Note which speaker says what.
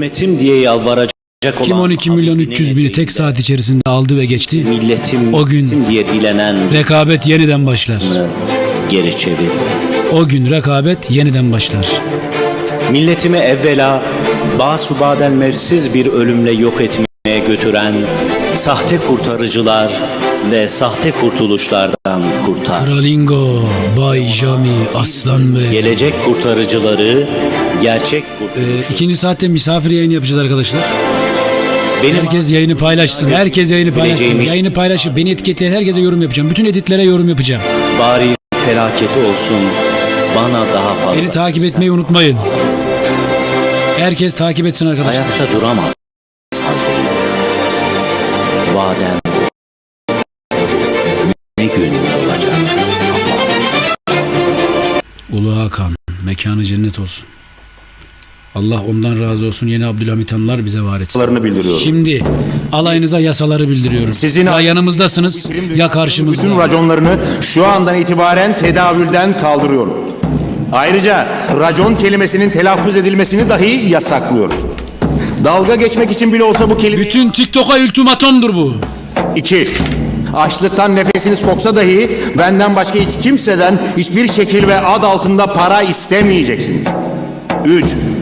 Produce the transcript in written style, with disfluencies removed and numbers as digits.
Speaker 1: Hükümetim diye yalvaracak olan
Speaker 2: Kim 12 milyon 300 bini tek saat içerisinde aldı ve geçti?
Speaker 1: milletim
Speaker 2: O gün
Speaker 1: diye dilenen
Speaker 2: rekabet yeniden başlar.
Speaker 1: geri çevir.
Speaker 2: O gün rekabet yeniden başlar.
Speaker 1: Milletimi evvela basubadel mevsiz bir ölümle yok etmeye götüren sahte kurtarıcılar ve sahte kurtuluşlardan kurtar.
Speaker 2: Kralingo, Bay Jami, Aslan Bey.
Speaker 1: Gelecek kurtarıcıları gerçek kurtuluşu.
Speaker 2: İkinci saatte misafir yayını yapacağız arkadaşlar.
Speaker 1: Benim
Speaker 2: Herkes yayını paylaşsın. Herkes yayını paylaşsın.
Speaker 1: Bileceğim iş-
Speaker 2: Yayını paylaşıp beni etiketleyen herkese yorum yapacağım. Bütün editlere yorum yapacağım.
Speaker 1: bari felaketi olsun bana daha fazla.
Speaker 2: Beni takip etmeyi unutmayın. Herkes takip etsin arkadaşlar.
Speaker 1: Ayakta duramaz. Vadem ne gün olacak?
Speaker 2: Ulu Hakan, mekanı cennet olsun. Allah ondan razı olsun. Yeni Abdülhamit Hanlar bize var etsin.
Speaker 3: Bildiriyorum.
Speaker 2: Şimdi alayınıza yasaları bildiriyorum.
Speaker 3: Sizin
Speaker 2: ya yanımızdasınız ya karşımızda.
Speaker 3: Bütün raconlarını şu andan itibaren tedavülden kaldırıyorum. Ayrıca racon kelimesinin telaffuz edilmesini dahi yasaklıyorum. Dalga geçmek için bile olsa bu kelime...
Speaker 2: Bütün TikTok'a ultimatomdur bu.
Speaker 3: 2. Açlıktan nefesiniz koksa dahi benden başka hiç kimseden hiçbir şekil ve ad altında para istemeyeceksiniz. 3.